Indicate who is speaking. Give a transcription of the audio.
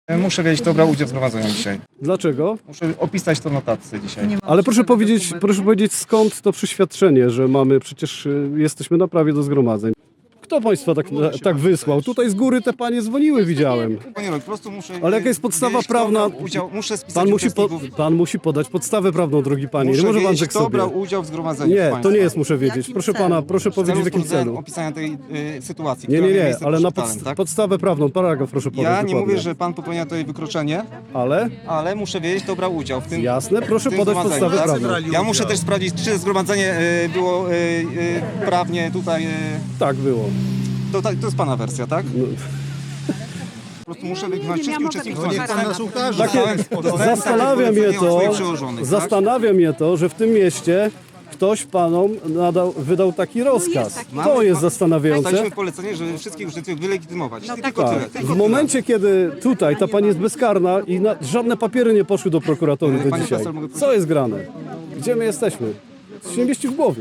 Speaker 1: Muszę wiedzieć, kto brał udział w zgromadzeniu dzisiaj.
Speaker 2: Dlaczego?
Speaker 1: Muszę opisać to notatce dzisiaj.
Speaker 2: Ale proszę powiedzieć skąd to przyświadczenie, że mamy, przecież jesteśmy na prawie do zgromadzeń. Kto państwa tak wysłał? Tutaj z góry te panie dzwoniły, widziałem.
Speaker 1: Panie Rok, po prostu muszę
Speaker 2: Ale jaka jest podstawa
Speaker 1: wiedzieć, kto
Speaker 2: prawna?
Speaker 1: brał udział. Muszę spisać uczestników.
Speaker 2: Pan musi podać podstawę prawną, drogi panie.
Speaker 1: Muszę
Speaker 2: Nie może pan
Speaker 1: wiedzieć,
Speaker 2: tak
Speaker 1: kto
Speaker 2: sobie.
Speaker 1: brał udział w zgromadzeniu.
Speaker 2: Nie, to
Speaker 1: państwa.
Speaker 2: nie jest muszę wiedzieć. Proszę pana, proszę powiedzieć w jakim celu.
Speaker 1: Opisania tej sytuacji,
Speaker 2: Nie,
Speaker 1: która
Speaker 2: nie,
Speaker 1: miała
Speaker 2: nie,
Speaker 1: miejsce
Speaker 2: ale na
Speaker 1: przed szpitalem, tak?
Speaker 2: podstawę prawną, paragraf proszę podać.
Speaker 1: Ja nie
Speaker 2: dokładnie.
Speaker 1: mówię, że pan popełnia tutaj wykroczenie,
Speaker 2: Ale?
Speaker 1: muszę wiedzieć, kto brał udział w tym.
Speaker 2: Jasne, proszę
Speaker 1: w tym
Speaker 2: podać
Speaker 1: zgromadzeniu,
Speaker 2: podstawę
Speaker 1: tak?
Speaker 2: prawną.
Speaker 1: Ja muszę też sprawdzić, czy zgromadzenie było prawnie tutaj.
Speaker 2: Tak było.
Speaker 1: To jest pana wersja, tak?
Speaker 2: No.
Speaker 1: Po prostu muszę wygnać wszystkich uczestników.
Speaker 3: No niech pan nas ukaże.
Speaker 2: Zastanawia mnie to, że w tym mieście ktoś panom wydał taki rozkaz. To jest zastanawiające.
Speaker 1: Dostaliśmy polecenie, żeby wszystkich uczestników wylegitymować. Tylko tyle.
Speaker 2: Tak. W momencie, kiedy tutaj ta pani jest bezkarna i żadne papiery nie poszły do prokuratury do
Speaker 1: Panie
Speaker 2: dzisiaj.
Speaker 1: profesor, mogę prosić?
Speaker 2: Co jest grane? Gdzie my jesteśmy? To się nie mieści w głowie.